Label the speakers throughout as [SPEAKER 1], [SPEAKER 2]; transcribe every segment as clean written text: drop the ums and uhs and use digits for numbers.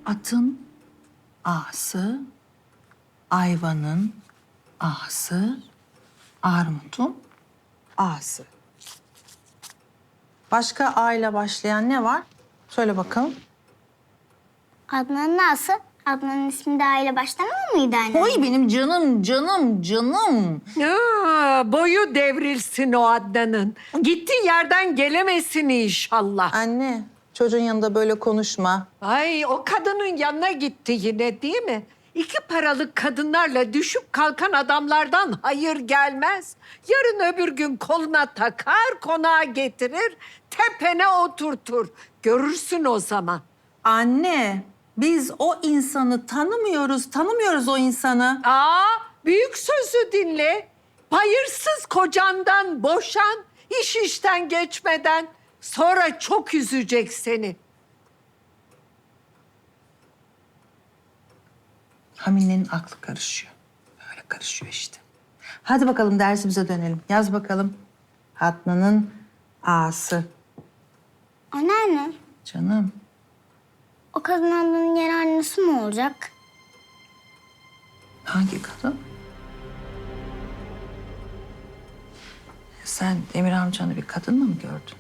[SPEAKER 1] Atın A'sı, ayvanın A'sı, armutun A'sı. Başka A ile başlayan ne var? Söyle bakalım.
[SPEAKER 2] Adnan'ın A'sı. Adnan'ın ismi de A ile başlamıyor muydu anne?
[SPEAKER 1] Oy benim canım, canım, canım.
[SPEAKER 3] Boyu devrilsin o Adnan'ın. Gittiği yerden gelemesin inşallah.
[SPEAKER 1] Anne, çocuğun yanında böyle konuşma.
[SPEAKER 3] Ay o kadının yanına gitti yine değil mi? İki paralık kadınlarla düşüp kalkan adamlardan hayır gelmez. Yarın öbür gün koluna takar, konağa getirir, tepene oturtur. Görürsün o zaman.
[SPEAKER 1] Anne, biz o insanı tanımıyoruz o insanı.
[SPEAKER 3] Büyük sözü dinle. Hayırsız kocandan boşan, iş işten geçmeden. Sonra çok üzecek seni.
[SPEAKER 1] Hamine'nin aklı karışıyor. Böyle karışıyor işte. Hadi bakalım dersimize dönelim. Yaz bakalım. Adnan'ın A'sı.
[SPEAKER 2] Anneanne,
[SPEAKER 1] Canım.
[SPEAKER 2] o kadın Adnan'ın yeni annesi mi olacak?
[SPEAKER 1] Hangi kadın? Sen Demir amcanı bir kadınla mı gördün?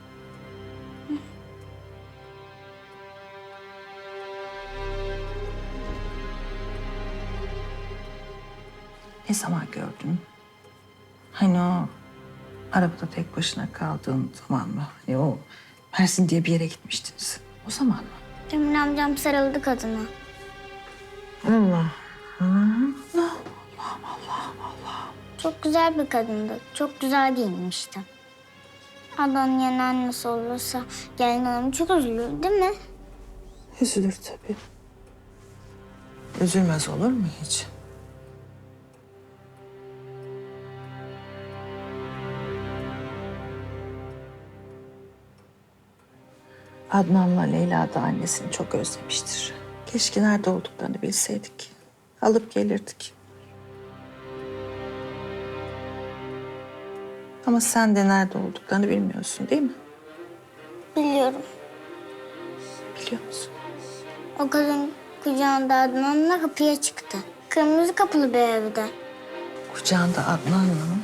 [SPEAKER 1] Ne zaman gördün? Hani o arabada tek başına kaldığın zaman mı? Hani o Mersin diye bir yere gitmiştiniz. O zaman mı?
[SPEAKER 2] Demir amcam sarıldı kadına.
[SPEAKER 1] Allah.
[SPEAKER 2] Çok güzel bir kadındı. Çok güzel giyinmişti. Adnan'ın yeni annesi olursa gelin hanım çok üzülür değil mi?
[SPEAKER 1] Üzülür tabii. Üzülmez olur mu hiç? Adnan'la Leyla da annesini çok özlemiştir. Keşke nerede olduklarını bilseydik. Alıp gelirdik. Ama sen de nerede olduklarını bilmiyorsun değil mi?
[SPEAKER 2] Biliyorum.
[SPEAKER 1] Biliyor musun?
[SPEAKER 2] O kadın kucağında Adnan'la kapıya çıktı. Kırmızı kapılı bir evde.
[SPEAKER 1] Kucağında Adnan'la mı?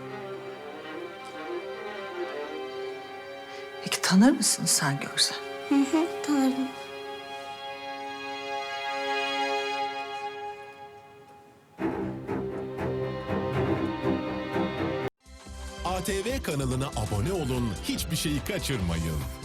[SPEAKER 1] Peki tanır mısın sen görsen?
[SPEAKER 2] Hı hı, tanırım.
[SPEAKER 4] ATV kanalına abone olun, hiçbir şeyi kaçırmayın.